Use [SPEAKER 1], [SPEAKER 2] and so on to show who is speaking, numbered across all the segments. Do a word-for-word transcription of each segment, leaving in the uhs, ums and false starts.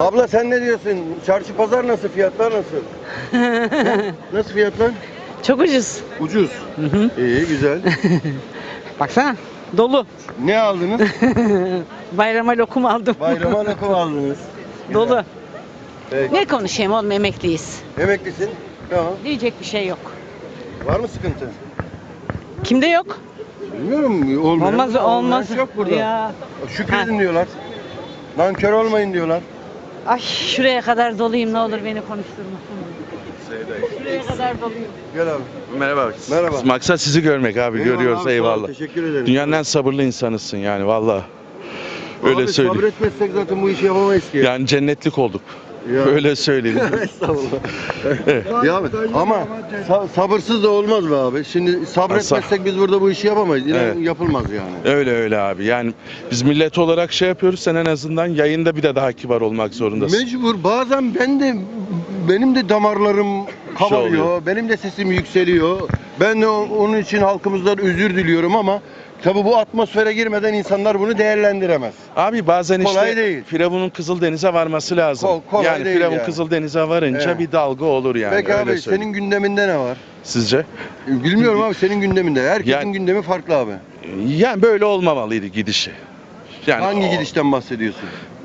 [SPEAKER 1] Abla sen ne diyorsun? Çarşı pazar nasıl? Fiyatlar nasıl? Nasıl fiyatlar?
[SPEAKER 2] Çok ucuz.
[SPEAKER 1] Ucuz.
[SPEAKER 2] Hı hı.
[SPEAKER 1] İyi, güzel.
[SPEAKER 2] Baksana dolu.
[SPEAKER 1] Ne aldınız?
[SPEAKER 2] Bayrama lokum aldım.
[SPEAKER 1] Bayrama lokum aldınız. Güzel.
[SPEAKER 2] Dolu.
[SPEAKER 1] Peki.
[SPEAKER 2] Ne konuşayım oğlum, emekliyiz.
[SPEAKER 1] Emeklisin. Tamam.
[SPEAKER 2] Diyecek bir şey yok.
[SPEAKER 1] Var mı sıkıntı?
[SPEAKER 2] Kimde yok?
[SPEAKER 1] Bilmiyorum. Olmayan,
[SPEAKER 2] Olmaz olmaz.
[SPEAKER 1] Yok burada.
[SPEAKER 2] Ya.
[SPEAKER 1] Şükredin diyorlar. Nankör olmayın diyorlar.
[SPEAKER 2] Ay şuraya kadar doluyum, ne olur beni konuşturma. Şuraya kadar doluyum.
[SPEAKER 1] Gel abi.
[SPEAKER 3] Merhaba.
[SPEAKER 1] Merhaba.
[SPEAKER 3] Maksat sizi görmek abi.
[SPEAKER 1] Eyvallah
[SPEAKER 3] Görüyoruz,
[SPEAKER 1] abi, sağ ol,
[SPEAKER 3] eyvallah.
[SPEAKER 1] teşekkür ederim.
[SPEAKER 3] Dünyanın en sabırlı insanısın yani valla. Öyle
[SPEAKER 1] abi,
[SPEAKER 3] söyleyeyim.
[SPEAKER 1] sabretmezsek zaten bu işi yapamayız ki.
[SPEAKER 3] Yani cennetlik olduk.
[SPEAKER 1] Ya.
[SPEAKER 3] Öyle söyleyeyim.
[SPEAKER 1] Estağfurullah. Ya abi, ama sa- sabırsız da olmaz be abi. Şimdi sabretmezsek biz burada bu işi yapamayız. İnan
[SPEAKER 3] Evet.
[SPEAKER 1] yapılmaz yani.
[SPEAKER 3] Öyle öyle abi. Yani biz millet olarak şey yapıyoruz. Sen en azından yayında bir de daha kibar olmak zorundasın.
[SPEAKER 1] Mecbur. Bazen ben de benim de damarlarım kabarıyor.
[SPEAKER 3] oluyor.
[SPEAKER 1] Benim de sesim yükseliyor. Ben de o- onun için halkımızdan özür diliyorum ama tabii bu atmosfere girmeden insanlar bunu değerlendiremez.
[SPEAKER 3] Abi bazen
[SPEAKER 1] Kolay
[SPEAKER 3] işte
[SPEAKER 1] değil.
[SPEAKER 3] Firavun'un Kızıldeniz'e varması lazım.
[SPEAKER 1] Kol- kolay
[SPEAKER 3] yani
[SPEAKER 1] değil
[SPEAKER 3] Firavun
[SPEAKER 1] yani.
[SPEAKER 3] Kızıldeniz'e varınca
[SPEAKER 1] Evet.
[SPEAKER 3] bir dalga olur yani.
[SPEAKER 1] Peki
[SPEAKER 3] öyle
[SPEAKER 1] abi
[SPEAKER 3] söyleyeyim.
[SPEAKER 1] senin gündeminde ne var?
[SPEAKER 3] Sizce?
[SPEAKER 1] Bilmiyorum abi, senin gündeminde. Herkesin
[SPEAKER 3] Yani-
[SPEAKER 1] gündemi farklı abi.
[SPEAKER 3] Yani böyle olmamalıydı gidişi. Yani
[SPEAKER 1] Hangi
[SPEAKER 3] o-
[SPEAKER 1] gidişten bahsediyorsun?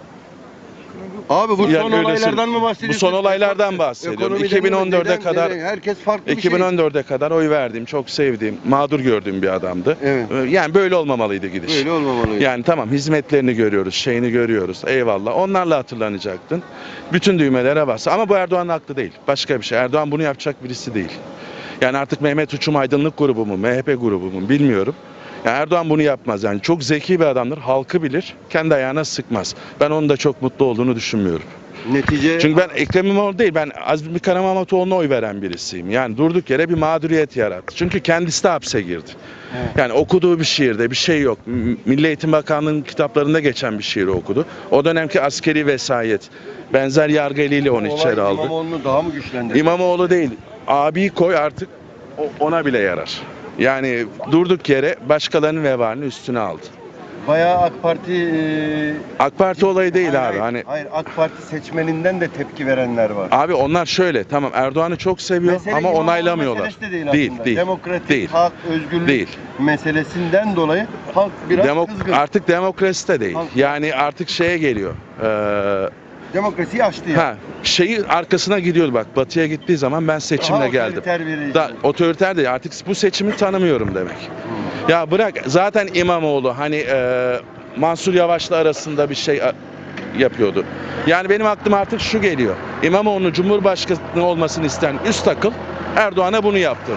[SPEAKER 1] Abi bu
[SPEAKER 3] Yani
[SPEAKER 1] son
[SPEAKER 3] öyle
[SPEAKER 1] olaylardan
[SPEAKER 3] söyleyeyim.
[SPEAKER 1] mı
[SPEAKER 3] Bu
[SPEAKER 1] bahsediyorsun?
[SPEAKER 3] son olaylardan bahsediyorum.
[SPEAKER 1] Ekonomiden
[SPEAKER 3] iki bin on dörde
[SPEAKER 1] mi? Neden-
[SPEAKER 3] kadar
[SPEAKER 1] neden? Herkes farklı bir
[SPEAKER 3] iki bin
[SPEAKER 1] şey.
[SPEAKER 3] on dörde kadar oy verdiğim, çok sevdiğim, mağdur gördüğüm bir adamdı.
[SPEAKER 1] Evet.
[SPEAKER 3] Yani böyle olmamalıydı gidiş.
[SPEAKER 1] Böyle olmamalıydı.
[SPEAKER 3] Yani tamam, hizmetlerini görüyoruz, şeyini görüyoruz. Eyvallah. Onlarla hatırlanacaktın. Bütün düğmelere bas. Ama bu Erdoğan'ın haklı değil. Başka bir şey. Erdoğan bunu yapacak birisi değil. Yani artık Mehmet Uçum Aydınlık grubu mu, M H P grubu mu bilmiyorum. Yani Erdoğan bunu yapmaz. Yani çok zeki bir adamdır. Halkı bilir. Kendi ayağına sıkmaz. Ben onun da çok mutlu olduğunu düşünmüyorum.
[SPEAKER 1] Netice
[SPEAKER 3] Çünkü ben Ekrem İmamoğlu değil, ben Azmi Karamahmetoğlu'na oy veren birisiyim. Yani durduk yere bir mağduriyet yarattı. Çünkü kendisi de hapse girdi.
[SPEAKER 1] Evet.
[SPEAKER 3] Yani okuduğu bir şiirde bir şey yok. M- Milli Eğitim Bakanlığı'nın kitaplarında geçen bir şiiri okudu. O dönemki askeri vesayet, benzer yargı eliyle onu
[SPEAKER 1] olay
[SPEAKER 3] içeri aldı.
[SPEAKER 1] İmamoğlu'nu daha mı güçlendirdi?
[SPEAKER 3] İmamoğlu değil, abiyi koy artık, o- ona bile yarar. Yani durduk yere başkalarının vebalini üstüne aldı.
[SPEAKER 1] Bayağı AK Parti e,
[SPEAKER 3] AK Parti olayı değil
[SPEAKER 1] hayır,
[SPEAKER 3] abi.
[SPEAKER 1] hayır,
[SPEAKER 3] Hani
[SPEAKER 1] hayır, AK Parti seçmeninden de tepki verenler var.
[SPEAKER 3] abi onlar şöyle, tamam Erdoğan'ı çok seviyor
[SPEAKER 1] Mesele
[SPEAKER 3] ama
[SPEAKER 1] İmamoğlu
[SPEAKER 3] onaylamıyorlar.
[SPEAKER 1] meselesi de değil,
[SPEAKER 3] Değil,
[SPEAKER 1] aslında.
[SPEAKER 3] değil.
[SPEAKER 1] Demokratik,
[SPEAKER 3] Değil.
[SPEAKER 1] hak, özgürlük
[SPEAKER 3] Değil.
[SPEAKER 1] meselesinden dolayı halk biraz
[SPEAKER 3] Demok-
[SPEAKER 1] kızgın.
[SPEAKER 3] artık demokrasi de değil.
[SPEAKER 1] Halk-
[SPEAKER 3] Yani artık şeye geliyor. Ee,
[SPEAKER 1] Demokrasiyi aştı ya.
[SPEAKER 3] ha, şeyi arkasına gidiyordu bak. Batı'ya gittiği zaman ben seçimle
[SPEAKER 1] Daha
[SPEAKER 3] geldim.
[SPEAKER 1] otoriter bir
[SPEAKER 3] Da,
[SPEAKER 1] rejim.
[SPEAKER 3] otoriter de artık bu seçimi tanımıyorum demek. Ya bırak zaten İmamoğlu hani e, Mansur Yavaş'la arasında bir şey a, yapıyordu. Yani benim aklıma artık şu geliyor. İmamoğlu'nun Cumhurbaşkanı olmasını isteyen üst akıl Erdoğan'a bunu yaptırdı.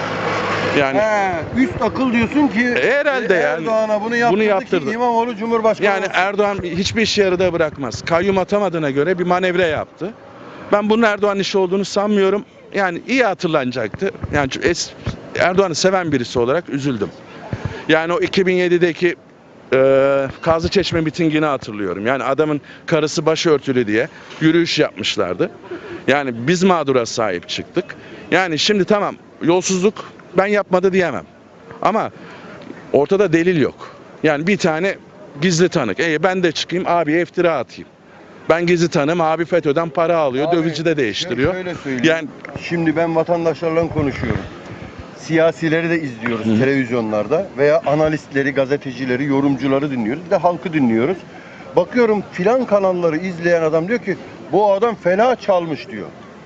[SPEAKER 3] Yani
[SPEAKER 1] He, üst akıl diyorsun ki
[SPEAKER 3] E, herhalde yani.
[SPEAKER 1] Erdoğan'a bunu yaptırdı,
[SPEAKER 3] Bunu yaptırdı.
[SPEAKER 1] ki İmamoğlu Cumhurbaşkanı
[SPEAKER 3] Yani
[SPEAKER 1] olsun.
[SPEAKER 3] Erdoğan hiçbir işi yarıda bırakmaz. Kayyum atamadığına göre bir manevra yaptı. Ben bunun Erdoğan işi olduğunu sanmıyorum. Yani iyi hatırlanacaktı. Yani es- Erdoğan'ı seven birisi olarak üzüldüm. Yani o iki bin yedideki e, Kazlıçeşme mitingini hatırlıyorum. Yani adamın karısı başörtülü diye yürüyüş yapmışlardı. Yani biz mağdura sahip çıktık. Yani şimdi tamam, yolsuzluk ben yapmadı diyemem. Ama ortada delil yok. Yani bir tane gizli tanık. E ben de çıkayım abiye iftira atayım. Ben gizli tanığım, abi FETÖ'den para alıyor,
[SPEAKER 1] Abi,
[SPEAKER 3] dövizci de değiştiriyor.
[SPEAKER 1] Şöyle söyleyeyim.
[SPEAKER 3] Yani
[SPEAKER 1] Şimdi ben vatandaşlarla konuşuyorum. Siyasileri de izliyoruz
[SPEAKER 3] Hı.
[SPEAKER 1] televizyonlarda veya analistleri, gazetecileri, yorumcuları dinliyoruz. Bir de halkı dinliyoruz. Bakıyorum filan kanalları izleyen adam diyor ki bu adam fena çalmış diyor.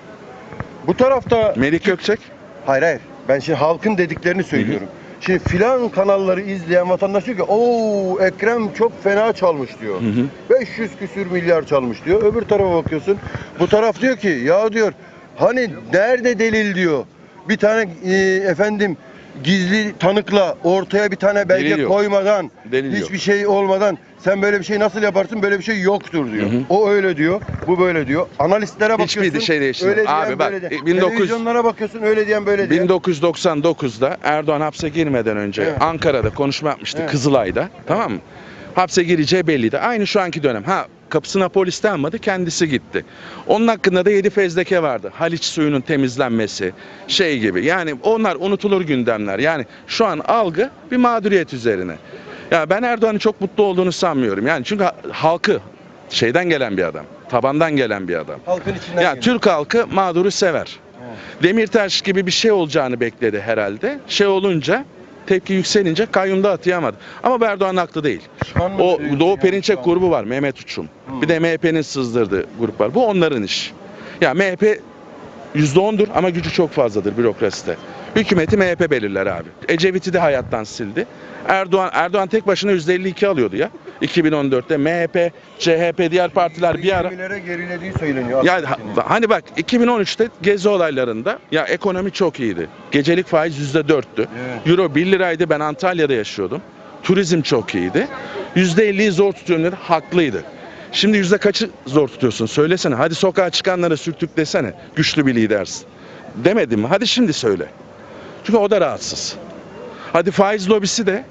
[SPEAKER 1] Bu tarafta
[SPEAKER 3] Melik Gökçek,
[SPEAKER 1] hayır hayır ben şimdi halkın dediklerini söylüyorum. Şimdi filan kanalları izleyen vatandaş diyor ki ooo Ekrem çok fena çalmış diyor.
[SPEAKER 3] Hı hı.
[SPEAKER 1] beş yüz küsür milyar çalmış diyor. Öbür tarafa bakıyorsun. Bu taraf diyor ki ya diyor hani nerede delil diyor. Bir tane e, efendim gizli tanıkla ortaya bir tane belge
[SPEAKER 3] Delil yok.
[SPEAKER 1] koymadan
[SPEAKER 3] Delil
[SPEAKER 1] hiçbir
[SPEAKER 3] yok.
[SPEAKER 1] şey olmadan sen böyle bir şey nasıl yaparsın? Böyle bir şey yoktur diyor.
[SPEAKER 3] Hı hı.
[SPEAKER 1] O öyle diyor. Bu böyle diyor. Analistlere bakıyorsun.
[SPEAKER 3] Hiçbir şey değişmiyor.
[SPEAKER 1] Öyle diyen
[SPEAKER 3] Abi bak,
[SPEAKER 1] böyle diyen.
[SPEAKER 3] bin dokuz yüz
[SPEAKER 1] Televizyonlara bakıyorsun öyle diyen böyle diyen.
[SPEAKER 3] bin dokuz yüz doksan dokuzda Erdoğan hapse girmeden önce
[SPEAKER 1] Evet.
[SPEAKER 3] Ankara'da konuşma yapmıştı,
[SPEAKER 1] Evet.
[SPEAKER 3] Kızılay'da. Tamam mı? Hapse gireceği belliydi. Aynı şu anki dönem. Ha, kapısına polis de almadı, kendisi gitti. Onun hakkında da yedi fezleke vardı. Haliç suyunun temizlenmesi, şey gibi. Yani onlar unutulur gündemler. Yani şu an algı bir mağduriyet üzerine. Ya ben Erdoğan'ın çok mutlu olduğunu sanmıyorum. Yani çünkü ha- halkı şeyden gelen bir adam. Tabandan gelen bir adam.
[SPEAKER 1] Halkın içinden
[SPEAKER 3] Ya
[SPEAKER 1] geliyor.
[SPEAKER 3] Türk halkı mağduru sever.
[SPEAKER 1] Evet.
[SPEAKER 3] Demirtaş gibi bir şey olacağını bekledi herhalde. Şey olunca, tepki yükselince kayyumda atayamadı. Ama bu Erdoğan haklı değil.
[SPEAKER 1] Pişman mı
[SPEAKER 3] O
[SPEAKER 1] diyorsun
[SPEAKER 3] Doğu
[SPEAKER 1] yani
[SPEAKER 3] Perinçek
[SPEAKER 1] şu an?
[SPEAKER 3] grubu var, Mehmet Uçum.
[SPEAKER 1] Hmm.
[SPEAKER 3] Bir de M H P'nin sızdırdığı grup var. Bu onların iş. Ya M H P yüzde ondur ama gücü çok fazladır bürokraside. Hükümeti M H P belirler abi. Ecevit'i de hayattan sildi. Erdoğan Erdoğan tek başına yüzde elli iki alıyordu ya. iki bin on dörtte M H P, C H P, diğer partiler bir ara.
[SPEAKER 1] yirmilere gerilediği söyleniyor.
[SPEAKER 3] Ya
[SPEAKER 1] AK
[SPEAKER 3] ha-
[SPEAKER 1] Parti'nin.
[SPEAKER 3] hani bak iki bin on üçte gezi olaylarında ya ekonomi çok iyiydi. Gecelik faiz yüzde dörttü.
[SPEAKER 1] Evet.
[SPEAKER 3] Euro bir liraydı, ben Antalya'da yaşıyordum. Turizm çok iyiydi. yüzde elliyi zor tutuyorum dedi, haklıydı. Şimdi yüzde kaçı zor tutuyorsun? Söylesene. Hadi sokağa çıkanlara sürtük desene. Güçlü bir lidersin. Demedim mi? Hadi şimdi söyle. Çünkü o da rahatsız. Hadi faiz lobisi de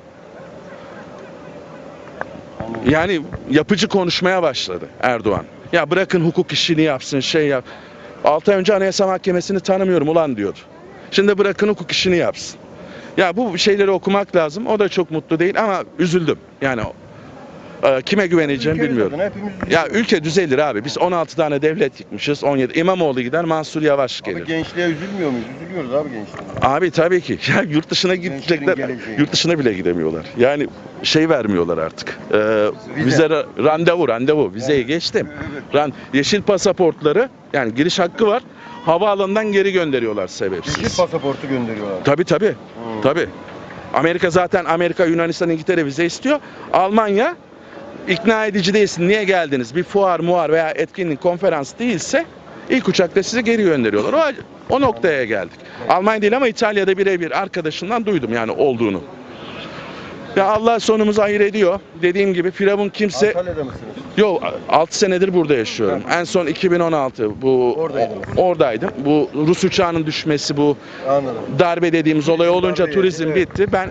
[SPEAKER 3] yani yapıcı konuşmaya başladı Erdoğan. Ya bırakın hukuk işini yapsın, şey yap. altı ay önce Anayasa Mahkemesi'ni tanımıyorum ulan diyordu. Şimdi bırakın hukuk işini yapsın. Ya bu şeyleri okumak lazım. O da çok mutlu değil ama üzüldüm. Yani e, kime güveneceğimi
[SPEAKER 1] Ülkemiz
[SPEAKER 3] bilmiyorum.
[SPEAKER 1] adına hepimiz
[SPEAKER 3] Ya
[SPEAKER 1] üzülüyoruz.
[SPEAKER 3] ülke düzelir abi. Biz on altı tane devlet yıkmışız. on yedi. İmamoğlu gider, Mansur Yavaş
[SPEAKER 1] Abi
[SPEAKER 3] gelir.
[SPEAKER 1] gençliğe üzülmüyor muyuz? Üzülüyoruz abi gençliğe.
[SPEAKER 3] Abi tabii ki. Ya yurt dışına
[SPEAKER 1] Gençlerin
[SPEAKER 3] gidecekler.
[SPEAKER 1] geleceği.
[SPEAKER 3] Yurt dışına bile gidemiyorlar. Yani şey vermiyorlar artık. Ee,
[SPEAKER 1] Vize.
[SPEAKER 3] vize ra- randevu, randevu. Vizeyi
[SPEAKER 1] Evet.
[SPEAKER 3] geçtim.
[SPEAKER 1] Evet.
[SPEAKER 3] Ran yeşil pasaportları yani giriş hakkı var. Havaalanından geri gönderiyorlar sebepsiz.
[SPEAKER 1] Yeşil pasaportu gönderiyorlar.
[SPEAKER 3] Tabii tabii.
[SPEAKER 1] Hmm.
[SPEAKER 3] Tabii. Amerika zaten Amerika, Yunanistan, İngiltere vize istiyor. Almanya ikna edici değilsin. Niye geldiniz? Bir fuar, muar veya etkinlik, konferans değilse ilk uçakta sizi geri gönderiyorlar. O, o noktaya geldik. Almanya değil ama İtalya'da birebir arkadaşımdan duydum yani olduğunu. Ya Allah sonumuzu hayır ediyor. Dediğim gibi Firavun kimse...
[SPEAKER 1] Antalya'da mısınız?
[SPEAKER 3] Yok altı senedir burada yaşıyorum. En son iki bin on altı bu
[SPEAKER 1] Oradaydınız.
[SPEAKER 3] oradaydım. Bu Rus uçağının düşmesi, bu
[SPEAKER 1] Anladım.
[SPEAKER 3] darbe dediğimiz olay olunca
[SPEAKER 1] Darbe
[SPEAKER 3] turizm
[SPEAKER 1] yedi, evet.
[SPEAKER 3] bitti. Ben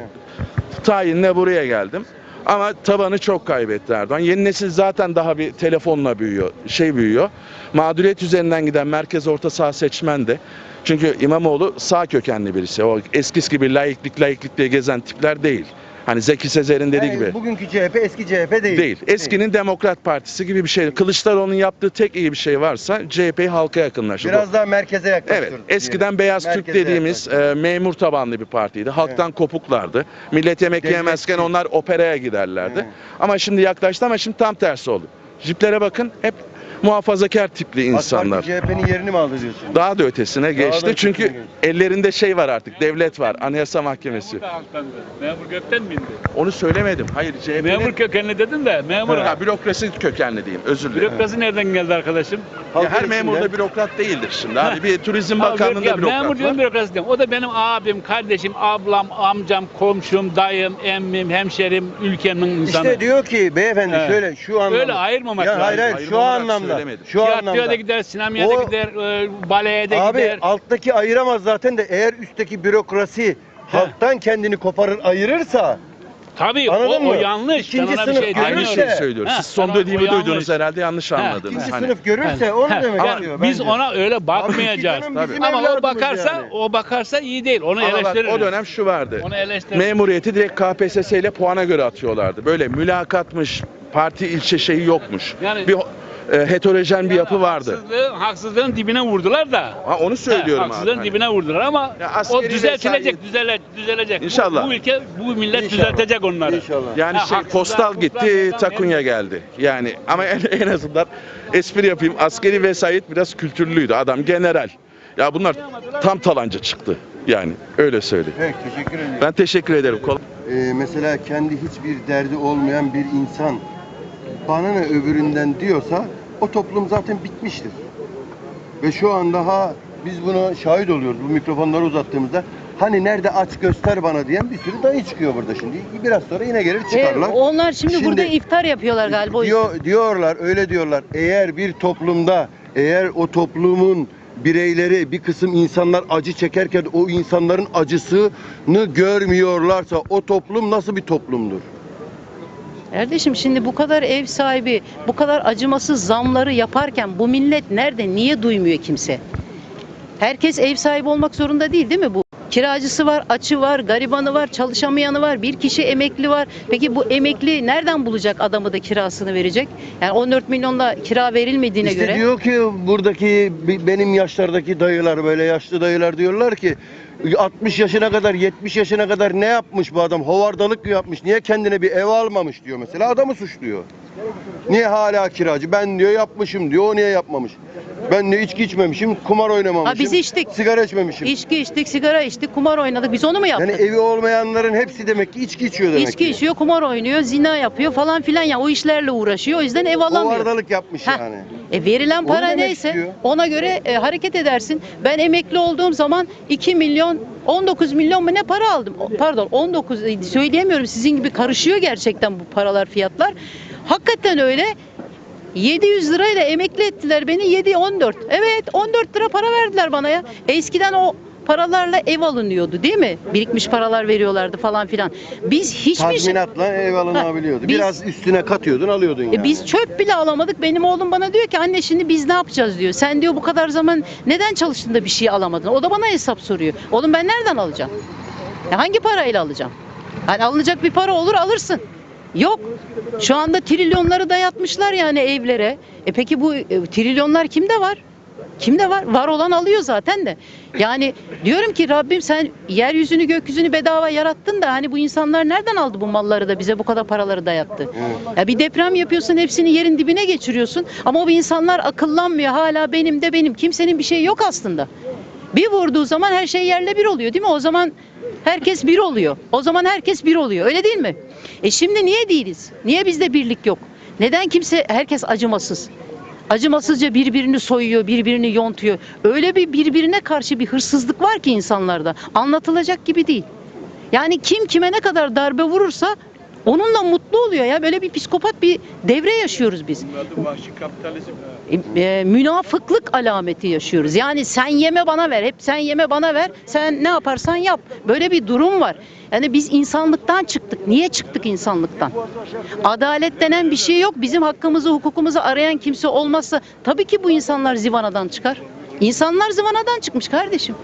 [SPEAKER 3] tayinle buraya geldim. Ama tabanı çok kaybetti Erdoğan. Yeni nesil zaten daha bir telefonla büyüyor, şey büyüyor. Mağduriyet üzerinden giden merkez orta sağ seçmen de. Çünkü İmamoğlu sağ kökenli birisi. O eskisi gibi laiklik laiklik diye gezen tipler değil. Hani Zeki Sezer'in dediği
[SPEAKER 1] Yani
[SPEAKER 3] gibi.
[SPEAKER 1] Bugünkü C H P eski C H P değil.
[SPEAKER 3] Değil. Eskinin Demokrat Partisi gibi bir şey. Kılıçdaroğlu'nun yaptığı tek iyi bir şey varsa C H P'yi halka yakınlaştırdı.
[SPEAKER 1] Biraz daha merkeze yaklaştırdı.
[SPEAKER 3] Evet, eskiden Beyaz Türk
[SPEAKER 1] Merkeze
[SPEAKER 3] dediğimiz
[SPEAKER 1] yaklaştırdı.
[SPEAKER 3] e, memur tabanlı bir partiydi. Halktan kopuklardı. Millet yemek
[SPEAKER 1] Devletçi.
[SPEAKER 3] yemezken onlar operaya giderlerdi.
[SPEAKER 1] Evet.
[SPEAKER 3] Ama şimdi yaklaştı ama şimdi tam tersi oldu. Jiplere bakın hep muhafazakar tipli insanlar.
[SPEAKER 1] AK Parti C H P'nin yerini mi aldı diyorsun?
[SPEAKER 3] Daha da ötesine geçti.
[SPEAKER 1] ötesine
[SPEAKER 3] Çünkü
[SPEAKER 1] geçti.
[SPEAKER 3] ellerinde şey var artık. Devlet var. Anayasa Mahkemesi.
[SPEAKER 4] Memur da halktandı. Memur gökten mi indi?
[SPEAKER 3] Onu söylemedim. Hayır C H P'nin
[SPEAKER 4] Memur kökenli dedin de memur.
[SPEAKER 3] ha, bürokrasi kökenli diyeyim. Özür dilerim.
[SPEAKER 4] Bürokrasi nereden geldi arkadaşım?
[SPEAKER 3] Ya her
[SPEAKER 1] Halkın
[SPEAKER 3] memur da
[SPEAKER 1] içinde-
[SPEAKER 3] bürokrat değildir şimdi. Abi bir Turizm
[SPEAKER 4] Ha,
[SPEAKER 3] Bakanlığı'nda
[SPEAKER 4] ya,
[SPEAKER 3] bürokrat
[SPEAKER 4] memur diyorum
[SPEAKER 3] var.
[SPEAKER 4] bürokrasi diyorum. O da benim abim, kardeşim, ablam, amcam, komşum, dayım, emmim, hemşerim, ülkemin insanı.
[SPEAKER 1] İşte diyor ki beyefendi
[SPEAKER 4] Evet.
[SPEAKER 1] şöyle şu anlamda.
[SPEAKER 4] Öyle ayırmamak
[SPEAKER 1] ya
[SPEAKER 4] lazım.
[SPEAKER 1] hayır hayır
[SPEAKER 3] Ayrım
[SPEAKER 1] şu
[SPEAKER 3] olarak
[SPEAKER 1] anlamda.
[SPEAKER 3] söylemedim.
[SPEAKER 1] Şu
[SPEAKER 4] Tiyatroya
[SPEAKER 1] anlamda.
[SPEAKER 4] da gider, sinemaya da
[SPEAKER 1] O-
[SPEAKER 4] gider, e, baleye de
[SPEAKER 1] Abi
[SPEAKER 4] gider.
[SPEAKER 1] alttaki ayıramaz zaten de eğer üstteki bürokrasi halktan kendini koparır ayırırsa
[SPEAKER 4] Tabii
[SPEAKER 1] Anladın
[SPEAKER 4] o, o
[SPEAKER 1] mı?
[SPEAKER 4] yanlış.
[SPEAKER 1] İkinci
[SPEAKER 4] Ben ona bir
[SPEAKER 1] sınıf
[SPEAKER 4] şey
[SPEAKER 1] görürse-
[SPEAKER 3] Aynı
[SPEAKER 4] demiyorum.
[SPEAKER 3] şeyi söylüyoruz.
[SPEAKER 4] Ha,
[SPEAKER 3] Siz son
[SPEAKER 4] ben o-
[SPEAKER 3] dediğimi
[SPEAKER 4] o yanlış.
[SPEAKER 3] duydunuz herhalde yanlış anladınız.
[SPEAKER 1] ikinci
[SPEAKER 3] Hani.
[SPEAKER 1] sınıf görürse
[SPEAKER 4] Ha,
[SPEAKER 1] onu
[SPEAKER 4] ha,
[SPEAKER 1] demek
[SPEAKER 4] ama
[SPEAKER 1] istiyor
[SPEAKER 4] biz
[SPEAKER 1] bence.
[SPEAKER 4] ona öyle bakmayacağız.
[SPEAKER 1] Abi,
[SPEAKER 3] Tabii.
[SPEAKER 1] bizim
[SPEAKER 4] Ama o
[SPEAKER 1] evladımız
[SPEAKER 4] bakarsa,
[SPEAKER 1] yani.
[SPEAKER 4] o bakarsa iyi değil. Onu
[SPEAKER 3] Ama bak,
[SPEAKER 4] eleştiririz.
[SPEAKER 3] o dönem şu vardı.
[SPEAKER 4] Onu eleştiririz.
[SPEAKER 3] Memuriyeti direkt K P S S ile puana göre atıyorlardı. Böyle mülakatmış, parti ilçe şeyi yokmuş.
[SPEAKER 4] Yani-
[SPEAKER 3] bir e, heterojen bir yapı vardı.
[SPEAKER 4] Haksızlığı, haksızlığın dibine vurdular da.
[SPEAKER 3] Ha, onu söylüyorum
[SPEAKER 4] Ha,
[SPEAKER 3] abi.
[SPEAKER 4] haksızlığın
[SPEAKER 3] Hani.
[SPEAKER 4] dibine vurdular ama
[SPEAKER 3] Ya
[SPEAKER 4] o
[SPEAKER 3] askeri
[SPEAKER 4] düzeltilecek,
[SPEAKER 3] vesayet-
[SPEAKER 4] düzele, düzelecek. Bu-
[SPEAKER 3] İnşallah.
[SPEAKER 4] Bu, ülke, bu millet
[SPEAKER 1] İnşallah.
[SPEAKER 4] düzeltecek onları.
[SPEAKER 1] İnşallah.
[SPEAKER 3] Yani
[SPEAKER 4] Ha,
[SPEAKER 3] şey
[SPEAKER 4] haksızlığa,
[SPEAKER 3] postal
[SPEAKER 4] haksızlığa
[SPEAKER 3] gitti,
[SPEAKER 4] meydan
[SPEAKER 3] takunya
[SPEAKER 4] vermiyor.
[SPEAKER 3] geldi. Yani ama en, en azından espri yapayım. Askeri vesayet biraz kültürlüydü. Adam general. Ya bunlar tam talanca çıktı. Yani öyle söyleyeyim.
[SPEAKER 1] Peki teşekkür ederim.
[SPEAKER 3] Ben teşekkür ederim. Kol-
[SPEAKER 1] Ee, mesela kendi hiçbir derdi olmayan bir insan bana ne öbüründen diyorsa o toplum zaten bitmiştir. Ve şu an daha biz buna şahit oluyoruz bu mikrofonları uzattığımızda. Hani nerede aç göster bana diyen bir sürü dayı çıkıyor burada şimdi. Biraz sonra yine gelir çıkarlar.
[SPEAKER 2] E, onlar şimdi,
[SPEAKER 1] Şimdi-
[SPEAKER 2] burada iftar yapıyorlar galiba. o yüzden.
[SPEAKER 1] Diyor, diyorlar öyle diyorlar. Eğer bir toplumda eğer o toplumun bireyleri bir kısım insanlar acı çekerken o insanların acısını görmüyorlarsa o toplum nasıl bir toplumdur?
[SPEAKER 2] Kardeşim şimdi bu kadar ev sahibi, bu kadar acımasız zamları yaparken bu millet nerede? Niye duymuyor kimse? Herkes ev sahibi olmak zorunda değil değil mi bu?
[SPEAKER 5] Kiracısı var, açı var, garibanı var, çalışamayanı var, bir kişi emekli var. Peki bu emekli nereden bulacak adamı da kirasını verecek? Yani on dört milyonla kira verilmediğine
[SPEAKER 1] İşte
[SPEAKER 5] göre.
[SPEAKER 1] diyor ki buradaki bi- benim yaşlardaki dayılar, böyle yaşlı dayılar diyorlar ki altmış yaşına kadar, yetmiş yaşına kadar ne yapmış bu adam? Hovardalık mı yapmış? Niye kendine bir ev almamış diyor mesela. Adamı suçluyor. Niye hala kiracı? Ben diyor yapmışım diyor. O niye yapmamış? Ben de içki içmemişim, kumar oynamamışım.
[SPEAKER 5] Ha, biz içtik.
[SPEAKER 1] Sigara içmemişim.
[SPEAKER 5] İçki içtik, sigara içtik, kumar oynadık. Biz onu mu yaptık?
[SPEAKER 1] Yani evi olmayanların hepsi demek ki içki içiyor demek
[SPEAKER 5] İçki
[SPEAKER 1] ki.
[SPEAKER 5] içiyor, kumar oynuyor, zina yapıyor falan filan ya. O işlerle uğraşıyor. O yüzden ev alamıyor.
[SPEAKER 1] Hovardalık yapmış
[SPEAKER 5] Heh.
[SPEAKER 1] yani.
[SPEAKER 5] E verilen
[SPEAKER 1] Onu
[SPEAKER 5] para
[SPEAKER 1] demek
[SPEAKER 5] neyse
[SPEAKER 1] istiyor.
[SPEAKER 5] ona göre e, hareket edersin. Ben emekli olduğum zaman iki milyon on dokuz milyon mu ne para aldım? O- Pardon on dokuz e, söyleyemiyorum, sizin gibi karışıyor gerçekten bu paralar, fiyatlar. Hakikaten öyle. yedi yüz lirayla emekli ettiler beni, yedi on dört. Evet, on dört lira para verdiler bana ya. Eskiden o paralarla ev alınıyordu değil mi? Birikmiş paralar veriyorlardı falan filan. Biz hiçbir şey...
[SPEAKER 1] Tazminatla ev alınabiliyordu.
[SPEAKER 5] Ha, biz-
[SPEAKER 1] Biraz üstüne katıyordun, alıyordun yani.
[SPEAKER 5] E biz çöp bile alamadık. Benim oğlum bana diyor ki anne şimdi biz ne yapacağız diyor. Sen diyor bu kadar zaman neden çalıştın da bir şey alamadın? O da bana hesap soruyor. Oğlum ben nereden alacağım? Ya hangi parayla alacağım? Hani alınacak bir para olur alırsın. Yok. Şu anda trilyonları dayatmışlar yani evlere. E peki bu e, trilyonlar kimde var? Kimde var? Var olan alıyor zaten de. Yani diyorum ki Rabbim sen yeryüzünü gökyüzünü bedava yarattın da hani bu insanlar nereden aldı bu malları da bize bu kadar paraları dayattı? Ya bir deprem yapıyorsun, hepsini yerin dibine geçiriyorsun ama bu insanlar akıllanmıyor. Hala benim de benim. Kimsenin bir şeyi yok aslında. Bir vurduğu zaman her şey yerle bir oluyor değil mi? O zaman herkes bir oluyor. O zaman herkes bir oluyor. Öyle değil mi? E şimdi niye değiliz? Niye bizde birlik yok? Neden kimse, herkes acımasız? Acımasızca birbirini soyuyor, birbirini yontuyor. Öyle bir birbirine karşı bir hırsızlık var ki insanlarda. Anlatılacak gibi değil. Yani kim kime ne kadar darbe vurursa onunla mutlu oluyor ya. Böyle bir psikopat bir devre yaşıyoruz biz. E, e, münafıklık alameti yaşıyoruz. Yani sen yeme bana ver, hep sen yeme bana ver, sen ne yaparsan yap. Böyle bir durum var. Yani biz insanlıktan çıktık. Niye çıktık insanlıktan? Adalet denen bir şey yok. Bizim hakkımızı, hukukumuzu arayan kimse olmazsa tabii ki bu insanlar zivanadan çıkar. İnsanlar zivanadan çıkmış kardeşim.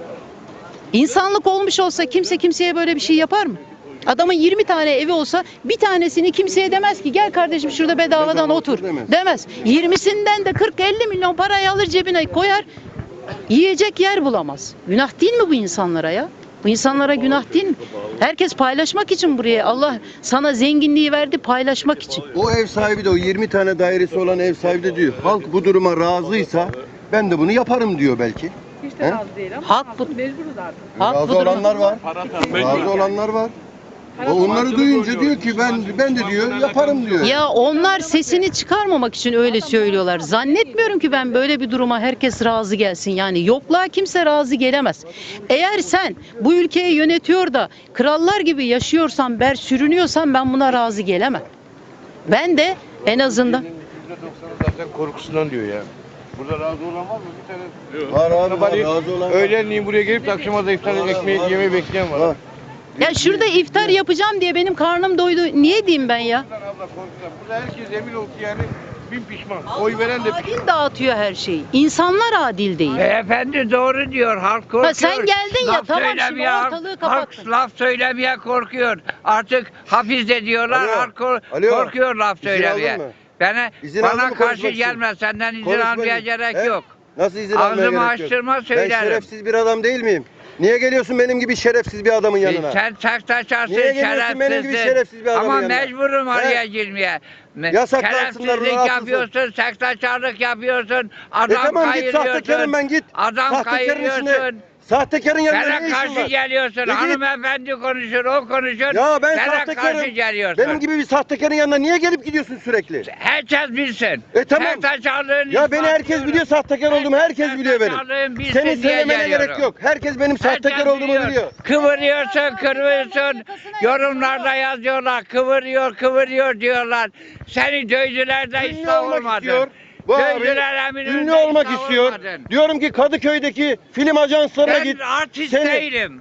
[SPEAKER 5] İnsanlık olmuş olsa kimse kimseye böyle bir şey yapar mı? Adamın yirmi tane evi olsa bir tanesini kimseye demez ki gel kardeşim şurada bedavadan
[SPEAKER 1] Bedava
[SPEAKER 5] otur.
[SPEAKER 1] otur demez.
[SPEAKER 5] Demez. yirmisinden de kırk elli milyon parayı alır cebine koyar. Yiyecek yer bulamaz. Günah değil mi bu insanlara ya? Bu insanlara günah değil mi? Herkes paylaşmak için buraya. Allah sana zenginliği verdi paylaşmak için.
[SPEAKER 1] O ev sahibi de, o yirmi tane dairesi olan ev sahibi de diyor. Halk bu duruma razıysa ben de bunu yaparım diyor belki.
[SPEAKER 2] Hiç de
[SPEAKER 1] He?
[SPEAKER 2] razı değil ama
[SPEAKER 5] Halk bu-
[SPEAKER 2] mecburuz artık.
[SPEAKER 5] Halk bu
[SPEAKER 1] Razı
[SPEAKER 5] duruma-
[SPEAKER 1] olanlar var. Razı olanlar var. O onları duyunca diyor ki ben ben de diyor yaparım diyor.
[SPEAKER 5] Ya onlar sesini çıkarmamak için öyle söylüyorlar. Zannetmiyorum ki ben böyle bir duruma herkes razı gelsin. Yani yokluğa kimse razı gelemez. Eğer sen bu ülkeyi yönetiyor da krallar gibi yaşıyorsan, ber sürünüyorsan ben buna razı gelemem. Ben de en azından
[SPEAKER 6] yüzde doksanı zaten korkusundan diyor ya. Burada razı olan var mı? Bir tane
[SPEAKER 1] Var abi var,
[SPEAKER 6] Sabahleyin
[SPEAKER 1] razı olan var.
[SPEAKER 6] öğlenleyin buraya gelip de akşama da iftar ekmeği yemeği bekleyen var.
[SPEAKER 1] Var.
[SPEAKER 5] ya şurada iftar yapacağım diye benim karnım doydu. Niye diyeyim ben ya?
[SPEAKER 6] Korkudan abla korkudan. Burada herkes emin olsun yani bin pişman. Oy veren de pişman.
[SPEAKER 5] Adil dağıtıyor her şeyi. İnsanlar adil değil.
[SPEAKER 7] Beyefendi doğru diyor. Halk korkuyor.
[SPEAKER 5] Ha, sen geldin ya,
[SPEAKER 7] Laf
[SPEAKER 5] tamam, şimdi
[SPEAKER 7] söylemeye,
[SPEAKER 5] ortalığı kapattın.
[SPEAKER 7] Halk laf söylemeye korkuyor. Artık hafiz de diyorlar.
[SPEAKER 1] Alo,
[SPEAKER 7] Halk kor-
[SPEAKER 1] alo.
[SPEAKER 7] korkuyor laf
[SPEAKER 1] İzin
[SPEAKER 7] söylemeye.
[SPEAKER 1] aldın mı?
[SPEAKER 7] Bana,
[SPEAKER 1] İzin aldın
[SPEAKER 7] bana
[SPEAKER 1] mı
[SPEAKER 7] karşı
[SPEAKER 1] konuşmak için?
[SPEAKER 7] gelme. Senden izin
[SPEAKER 1] Konuşma
[SPEAKER 7] almaya
[SPEAKER 1] için.
[SPEAKER 7] gerek
[SPEAKER 1] He?
[SPEAKER 7] yok.
[SPEAKER 1] Nasıl izin almaya
[SPEAKER 7] Ağzımı
[SPEAKER 1] gerek yok?
[SPEAKER 7] açtırma
[SPEAKER 1] Ben
[SPEAKER 7] söylerim.
[SPEAKER 1] şerefsiz bir adam değil miyim? Niye geliyorsun benim gibi şerefsiz bir adamın yanına?
[SPEAKER 7] E, Sen saktaşarsın
[SPEAKER 1] Niye geliyorsun benim gibi
[SPEAKER 7] şerefsizsin.
[SPEAKER 1] şerefsiz bir adamın
[SPEAKER 7] Ama
[SPEAKER 1] yanına?
[SPEAKER 7] mecburum
[SPEAKER 1] He?
[SPEAKER 7] araya girmeye. Me-
[SPEAKER 1] Yasaklansınlar,
[SPEAKER 7] Şerefsizlik
[SPEAKER 1] rahatsızsın.
[SPEAKER 7] yapıyorsun, saktaşarlık yapıyorsun,
[SPEAKER 1] E
[SPEAKER 7] adam
[SPEAKER 1] tamam git
[SPEAKER 7] kayırıyorsun.
[SPEAKER 1] sahtekarın ben git.
[SPEAKER 7] Adam
[SPEAKER 1] Sahtekarın içinde.
[SPEAKER 7] kayırıyorsun.
[SPEAKER 1] Sahtekarın yanında
[SPEAKER 7] Bana
[SPEAKER 1] ne işin
[SPEAKER 7] karşı
[SPEAKER 1] var?
[SPEAKER 7] geliyorsun.
[SPEAKER 1] E git.
[SPEAKER 7] Hanımefendi konuşur, o konuşur.
[SPEAKER 1] Ya ben
[SPEAKER 7] Bana
[SPEAKER 1] sahtekarım.
[SPEAKER 7] karşı geliyorsun.
[SPEAKER 1] Benim gibi bir sahtekarın yanına niye gelip gidiyorsun sürekli?
[SPEAKER 7] Herkes bilsin.
[SPEAKER 1] E tamam.
[SPEAKER 7] Sahtekarlığın
[SPEAKER 1] Ya beni herkes
[SPEAKER 7] ispatlıyorum.
[SPEAKER 1] biliyor sahtekar olduğumu, herkes biliyor benim.
[SPEAKER 7] Sahtekarlığın bilsin
[SPEAKER 1] Senin
[SPEAKER 7] diye
[SPEAKER 1] söylemene
[SPEAKER 7] geliyorum.
[SPEAKER 1] gerek yok. Herkes benim sahtekar
[SPEAKER 7] Herkes
[SPEAKER 1] olduğumu
[SPEAKER 7] biliyor.
[SPEAKER 1] biliyor.
[SPEAKER 7] Kıvırıyorsun, kıvırıyorsun. Yorumlarda yazıyorlar. Kıvırıyor, kıvırıyor diyorlar. Seni dövdüler de
[SPEAKER 1] Ünlü
[SPEAKER 7] ıslah
[SPEAKER 1] olmak
[SPEAKER 7] olmadın.
[SPEAKER 1] istiyor. Bu abi
[SPEAKER 7] Dövdüler Eminönü'nde
[SPEAKER 1] ünlü olmak
[SPEAKER 7] ıslah
[SPEAKER 1] istiyor.
[SPEAKER 7] olmadın.
[SPEAKER 1] Diyorum ki Kadıköy'deki film ajanslarına
[SPEAKER 7] Ben
[SPEAKER 1] git.
[SPEAKER 7] artist
[SPEAKER 1] Seni-
[SPEAKER 7] değilim.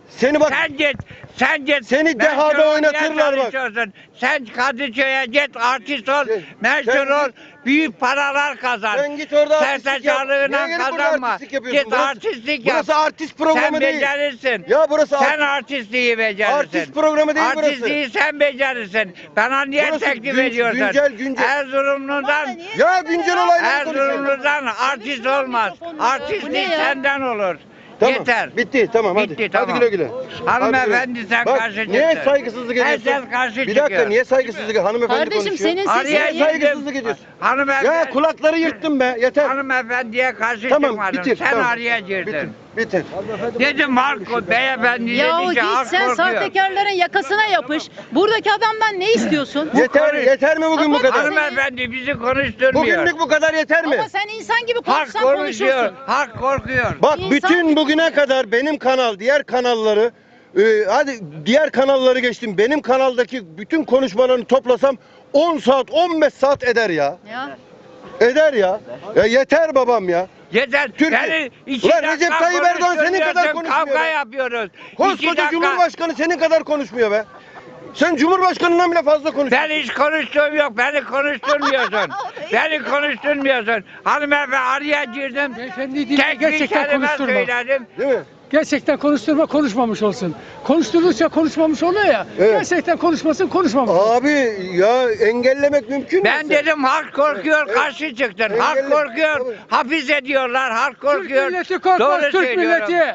[SPEAKER 1] Seni bak
[SPEAKER 7] Sen git, sen git.
[SPEAKER 1] Seni dehada
[SPEAKER 7] Meşhur olmaya
[SPEAKER 1] oynatırlar bak.
[SPEAKER 7] çalışıyorsun. Sen Kadıköy'e git, artist ol,
[SPEAKER 1] Sen-
[SPEAKER 7] meşhur
[SPEAKER 1] sen
[SPEAKER 7] ol,
[SPEAKER 1] git-
[SPEAKER 7] büyük paralar kazan.
[SPEAKER 1] sen git orada artistlik yap.
[SPEAKER 7] Sersaçalığına
[SPEAKER 1] Niye gelip burada
[SPEAKER 7] kazanma.
[SPEAKER 1] artistlik yapıyorsun?
[SPEAKER 7] Git
[SPEAKER 1] Burası-
[SPEAKER 7] artistlik yap.
[SPEAKER 1] Burası artist programı
[SPEAKER 7] sen
[SPEAKER 1] değil.
[SPEAKER 7] becerirsin.
[SPEAKER 1] Ya burası
[SPEAKER 7] Sen
[SPEAKER 1] artist-
[SPEAKER 7] artistliği becerirsin.
[SPEAKER 1] Artist programı değil burası.
[SPEAKER 7] Artistliği sen becerirsin. Bana niye
[SPEAKER 1] Burası
[SPEAKER 7] teklif
[SPEAKER 1] gün-
[SPEAKER 7] ediyorsun?
[SPEAKER 1] güncel, güncel.
[SPEAKER 7] Erzurumlu'dan
[SPEAKER 1] Ya güncel olayları konuşuyoruz.
[SPEAKER 7] Erzurumlu'dan artist olmaz.
[SPEAKER 5] Bu ne
[SPEAKER 7] Artistlik
[SPEAKER 5] ya?
[SPEAKER 7] senden olur.
[SPEAKER 1] Tamam.
[SPEAKER 7] Yeter.
[SPEAKER 1] Bitti tamam hadi.
[SPEAKER 7] Bitti,
[SPEAKER 1] Hadi
[SPEAKER 7] tamam.
[SPEAKER 1] güle güle.
[SPEAKER 7] Hanımefendi
[SPEAKER 1] Hadi
[SPEAKER 7] sen
[SPEAKER 1] Bak,
[SPEAKER 7] karşı çıktın.
[SPEAKER 1] Niye saygısızlık
[SPEAKER 7] Her
[SPEAKER 1] ediyorsun?
[SPEAKER 7] sen karşı
[SPEAKER 1] Bir dakika
[SPEAKER 7] çıkıyorsun.
[SPEAKER 1] niye saygısızlık? Hanımefendi
[SPEAKER 5] Kardeşim,
[SPEAKER 1] konuşuyor.
[SPEAKER 5] senin
[SPEAKER 7] Araya
[SPEAKER 5] sesin-
[SPEAKER 1] Niye
[SPEAKER 7] girdim.
[SPEAKER 1] saygısızlık ediyorsun?
[SPEAKER 7] Hanımefendi.
[SPEAKER 1] Ya kulakları yırttım be yeter.
[SPEAKER 7] Hanımefendiye karşı
[SPEAKER 1] Tamam
[SPEAKER 7] çıkmadım.
[SPEAKER 1] bitir.
[SPEAKER 7] Sen
[SPEAKER 1] tamam.
[SPEAKER 7] araya girdin.
[SPEAKER 1] Bitir. Bitir.
[SPEAKER 7] Dedim halk beyefendi
[SPEAKER 5] Ya
[SPEAKER 7] dedi ki
[SPEAKER 5] git
[SPEAKER 7] halk
[SPEAKER 5] sen
[SPEAKER 7] korkuyor.
[SPEAKER 5] sahtekarların yakasına yapış. Buradaki adamdan ne istiyorsun?
[SPEAKER 1] Yeter yeter mi bugün bu
[SPEAKER 5] Kapat
[SPEAKER 1] kadar?
[SPEAKER 5] hanım-
[SPEAKER 7] Hanımefendi bizi konuşturmuyor.
[SPEAKER 1] Bugünlük bu kadar yeter mi?
[SPEAKER 5] Ama sen insan gibi
[SPEAKER 7] Halk
[SPEAKER 5] konuşsan
[SPEAKER 7] konuşuyor.
[SPEAKER 5] konuşursun.
[SPEAKER 7] Halk korkuyor.
[SPEAKER 1] Bak
[SPEAKER 5] İnsan-
[SPEAKER 1] bütün bugüne kadar benim kanal, diğer kanalları, e, hadi diğer kanalları geçtim. Benim kanaldaki bütün konuşmalarını toplasam on saat, on beş saat eder ya.
[SPEAKER 5] Ya.
[SPEAKER 1] Eder ya. Ya yeter babam ya.
[SPEAKER 7] Yeter.
[SPEAKER 1] Türkiye-
[SPEAKER 7] Yani iki
[SPEAKER 1] Ulan
[SPEAKER 7] dakika
[SPEAKER 1] Recep Tayyip Erdoğan senin kadar
[SPEAKER 7] konuşturuyorsun,
[SPEAKER 1] konuşmuyor
[SPEAKER 7] Kavga
[SPEAKER 1] be.
[SPEAKER 7] yapıyoruz. İki
[SPEAKER 1] Koskoca
[SPEAKER 7] dakika.
[SPEAKER 1] Cumhurbaşkanı senin kadar konuşmuyor be. Sen Cumhurbaşkanından bile fazla konuşuyorsun.
[SPEAKER 7] Ben hiç konuştuğum yok. Beni konuşturmuyorsun. Beni konuşturmuyorsun. Hanımefendi araya girdim.
[SPEAKER 8] Beyefendi değil,
[SPEAKER 7] Tek bir
[SPEAKER 8] gerçekten
[SPEAKER 7] kelime
[SPEAKER 8] konuşturma.
[SPEAKER 7] söyledim.
[SPEAKER 1] Değil mi?
[SPEAKER 8] Gerçekten konuşturma konuşmamış olsun. Konuşturdukça konuşmamış oluyor ya.
[SPEAKER 1] Evet.
[SPEAKER 8] Gerçekten konuşmasın konuşmamış.
[SPEAKER 1] Abi ya engellemek mümkün mü?
[SPEAKER 7] Ben dedim halk korkuyor,
[SPEAKER 1] Evet.
[SPEAKER 7] karşı çıktın.
[SPEAKER 1] Engelle-
[SPEAKER 7] Halk korkuyor,
[SPEAKER 1] Tabii.
[SPEAKER 7] hapis ediyorlar, halk
[SPEAKER 8] Türk
[SPEAKER 7] korkuyor.
[SPEAKER 8] milleti korkmaz,
[SPEAKER 7] Doğru
[SPEAKER 8] Türk
[SPEAKER 7] söylüyorum.
[SPEAKER 8] milleti.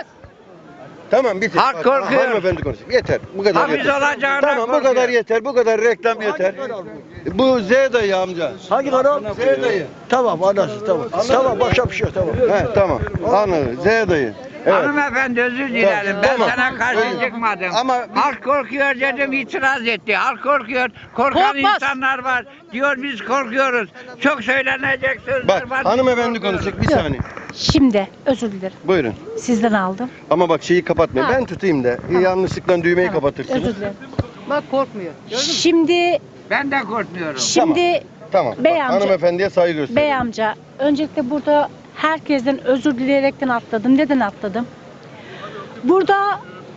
[SPEAKER 1] Tamam bitir.
[SPEAKER 7] Halk
[SPEAKER 1] Bak,
[SPEAKER 7] korkuyor.
[SPEAKER 1] Hanımefendi konuşuyor. Yeter. Bu kadar
[SPEAKER 7] Hapis
[SPEAKER 1] yeter.
[SPEAKER 7] olacağına
[SPEAKER 1] Tamam bu
[SPEAKER 7] korkuyor.
[SPEAKER 1] kadar yeter. Bu kadar reklam yeter. Bu Z dayı amca.
[SPEAKER 9] Hangi kanal?
[SPEAKER 1] Z dayı.
[SPEAKER 9] Tamam anlasın tamam. Tamam başka bir şey yok tamam.
[SPEAKER 1] He tamam. Anladım. Z dayı. Evet.
[SPEAKER 7] Hanımefendi özür dilerim. Ben
[SPEAKER 1] Tamam.
[SPEAKER 7] sana karşı
[SPEAKER 1] Öyle.
[SPEAKER 7] çıkmadım.
[SPEAKER 1] Ama-
[SPEAKER 7] halk korkuyor dedim, itiraz etti. Halk korkuyor. Korkan
[SPEAKER 5] Korkmaz.
[SPEAKER 7] insanlar var. Diyor biz korkuyoruz. Çok söylenecek sözler
[SPEAKER 1] Bak
[SPEAKER 7] var.
[SPEAKER 1] hanımefendi
[SPEAKER 7] Biz korkuyoruz.
[SPEAKER 1] konuşacak bir saniye.
[SPEAKER 10] Şimdi özür dilerim.
[SPEAKER 1] Buyurun.
[SPEAKER 10] Sizden aldım.
[SPEAKER 1] Ama bak şeyi kapatmayın.
[SPEAKER 10] Ha.
[SPEAKER 1] Ben tutayım da yanlışlıkla düğmeyi
[SPEAKER 10] Tamam,
[SPEAKER 1] kapatırsınız.
[SPEAKER 10] Özür dilerim.
[SPEAKER 5] Bak korkmuyor.
[SPEAKER 10] Şimdi
[SPEAKER 7] Ben de korkmuyorum.
[SPEAKER 10] şimdi
[SPEAKER 1] Tamam.
[SPEAKER 10] Bey
[SPEAKER 1] Bak,
[SPEAKER 10] amca-
[SPEAKER 1] hanımefendiye saygı gösterin.
[SPEAKER 10] bey amca öncelikle burada herkesten özür dileyerekten atladım. Neden atladım? Burada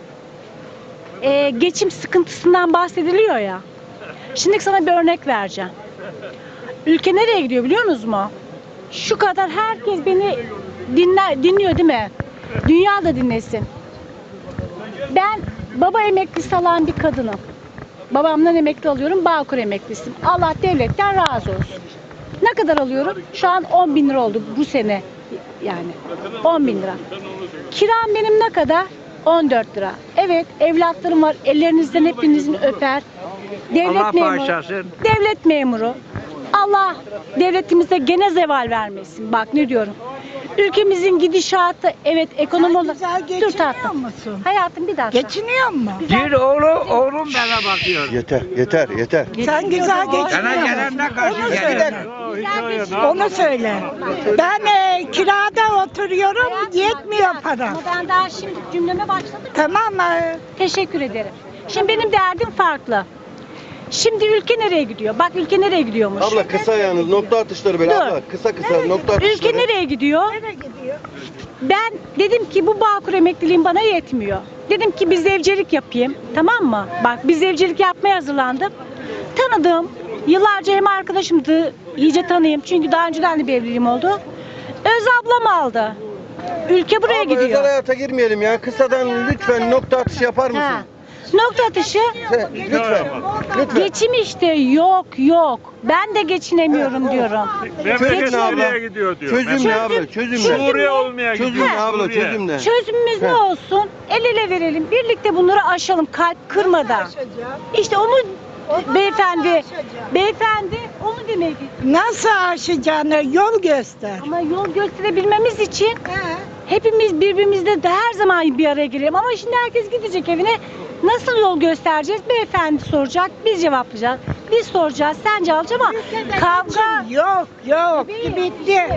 [SPEAKER 10] e, geçim sıkıntısından bahsediliyor ya. Şimdi sana bir örnek vereceğim. Ülke nereye gidiyor biliyor musunuz mu? Şu kadar herkes beni dinler, dinliyor değil mi? Dünya da dinlesin. Ben baba emeklisi alan bir kadınım. Babamdan emekli alıyorum, Bağkur emeklisiyim. Allah devletten razı olsun. Ne kadar alıyorum? Şu an on bin lira oldu bu sene yani. on bin lira. Kiram benim ne kadar? on dört lira. Evet, evlatlarım var. Ellerinizden hepinizin öper. Devlet
[SPEAKER 7] Allah
[SPEAKER 10] memuru.
[SPEAKER 7] bağışlasın.
[SPEAKER 10] Devlet memuru. Allah devletimize gene zeval vermesin. Bak ne diyorum. Ülkemizin gidişatı evet ekonomi olarak. Dur tatlım.
[SPEAKER 11] musun?
[SPEAKER 10] Hayatım bir dakika.
[SPEAKER 11] Geçiniyor mu?
[SPEAKER 7] Bir oğlu, oğlum bana bakıyor.
[SPEAKER 1] Yeter, yeter, yeter.
[SPEAKER 11] Sen güzel
[SPEAKER 7] Bana
[SPEAKER 11] geçiniyor musun?
[SPEAKER 7] gelene karşı
[SPEAKER 11] Onu
[SPEAKER 7] geliyor.
[SPEAKER 11] söyle. Onu söyle. Ben e, kirada oturuyorum, yetmiyor para.
[SPEAKER 10] Ama ben daha şimdi cümleme başladım.
[SPEAKER 11] Tamam mı?
[SPEAKER 10] Teşekkür ederim. Şimdi benim derdim farklı. Şimdi ülke nereye gidiyor? Bak ülke nereye gidiyormuş?
[SPEAKER 1] Abla kısa yalnız nokta atışları böyle
[SPEAKER 10] Dur.
[SPEAKER 1] abla. Kısa kısa nokta atışları.
[SPEAKER 10] Ülke nereye gidiyor?
[SPEAKER 11] Nereye gidiyor?
[SPEAKER 10] Ben dedim ki bu Bağkur emekliliğim bana yetmiyor. Dedim ki bir zevcelik yapayım. Tamam mı? Bak bir zevcelik yapmaya hazırlandım. Tanıdığım, yıllarca hem arkadaşımdı, iyice tanıyayım. Çünkü daha önceden de bir evliliğim oldu. Öz ablam aldı. Ülke buraya
[SPEAKER 1] Abla,
[SPEAKER 10] gidiyor.
[SPEAKER 1] özel hayata girmeyelim ya. Kısadan lütfen nokta atışı yapar mısın?
[SPEAKER 10] Ha. Nokta atışı.
[SPEAKER 1] Sen, lütfen. Lütfen.
[SPEAKER 10] Geçim işte yok yok. Ben de geçinemiyorum diyorum.
[SPEAKER 1] Çözüm ne abla? Çözüm ne abla? Çözüm ne?
[SPEAKER 10] Suriye
[SPEAKER 4] olmaya
[SPEAKER 1] Çözüm ne abla? Çözüm ne?
[SPEAKER 10] Çözümümüz ne olsun? El ele verelim. Birlikte bunları aşalım kalp kırmadan. İşte onu beyefendi, beyefendi onu demeye getirdim.
[SPEAKER 11] Nasıl aşacağını yol göster.
[SPEAKER 10] Ama yol gösterebilmemiz için hepimiz birbirimizle de her zaman bir araya gelelim. Ama şimdi herkes gidecek evine. Nasıl yol göstereceğiz? Beyefendi soracak, biz cevaplayacağız. Biz soracağız, sen cevaplayacaksın ama kavga...
[SPEAKER 11] Yok yok
[SPEAKER 10] Tabii.
[SPEAKER 11] bitti.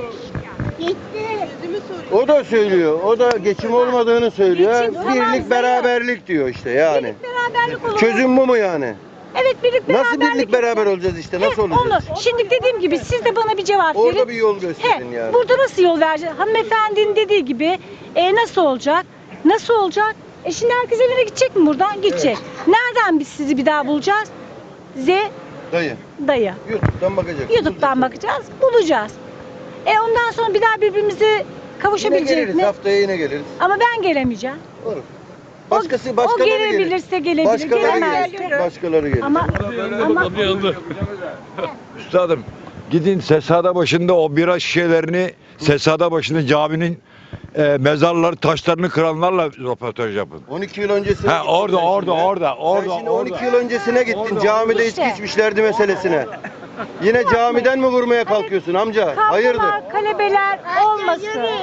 [SPEAKER 1] O da söylüyor. O da geçim olmadığını söylüyor.
[SPEAKER 10] Geçim tamam,
[SPEAKER 1] Birlik
[SPEAKER 10] zayıf.
[SPEAKER 1] beraberlik diyor işte yani.
[SPEAKER 10] Birlik beraberlik olur.
[SPEAKER 1] Çözüm bu mu yani?
[SPEAKER 10] Evet birlik beraberlik.
[SPEAKER 1] Nasıl birlik beraber olacağız işte? Nasıl
[SPEAKER 10] He,
[SPEAKER 1] olacağız?
[SPEAKER 10] Onu. Şimdi dediğim gibi siz de bana bir cevap verin.
[SPEAKER 1] Orada bir yol gösterin
[SPEAKER 10] He,
[SPEAKER 1] yani.
[SPEAKER 10] Burada nasıl yol vereceğiz? Hanımefendinin dediği gibi e, nasıl olacak? Nasıl olacak? E şimdi herkes evine gidecek mi buradan? Gidecek. Nereden biz sizi bir daha bulacağız? Z
[SPEAKER 1] Dayı.
[SPEAKER 10] dayı.
[SPEAKER 1] YouTube'dan bakacak.
[SPEAKER 10] YouTube'dan bakacağız, bulacağız. E ondan sonra bir daha birbirimize
[SPEAKER 1] Yine
[SPEAKER 10] kavuşabilecek
[SPEAKER 1] geliriz.
[SPEAKER 10] mi?
[SPEAKER 1] Haftaya yine geliriz.
[SPEAKER 10] Ama ben gelemeyeceğim.
[SPEAKER 1] Olur.
[SPEAKER 10] O-
[SPEAKER 1] Başkası
[SPEAKER 10] o
[SPEAKER 1] başkaları gelir.
[SPEAKER 10] gelebilirse gelebilir,
[SPEAKER 1] Başkaları
[SPEAKER 10] gelemez.
[SPEAKER 1] gelir. Başkaları gelir.
[SPEAKER 10] Ama ama
[SPEAKER 12] Üstadım gidin Sesada başında o bira şişelerini Sesada başında caminin e, mezarları taşlarını kıranlarla röportaj yapın.
[SPEAKER 1] on iki yıl öncesine
[SPEAKER 12] Ha
[SPEAKER 1] gittin
[SPEAKER 12] orada
[SPEAKER 1] sen
[SPEAKER 12] orada
[SPEAKER 1] şimdi.
[SPEAKER 12] orada
[SPEAKER 1] Sen
[SPEAKER 12] orada
[SPEAKER 1] şimdi
[SPEAKER 12] orada.
[SPEAKER 1] on iki yıl öncesine gittin.
[SPEAKER 12] Orada,
[SPEAKER 1] Camide
[SPEAKER 10] İşte.
[SPEAKER 1] içki içmişlerdi meselesine. Yine camiden mi vurmaya kalkıyorsun amca? Hayırdır?
[SPEAKER 10] kavgalar, kalebeler olmasın.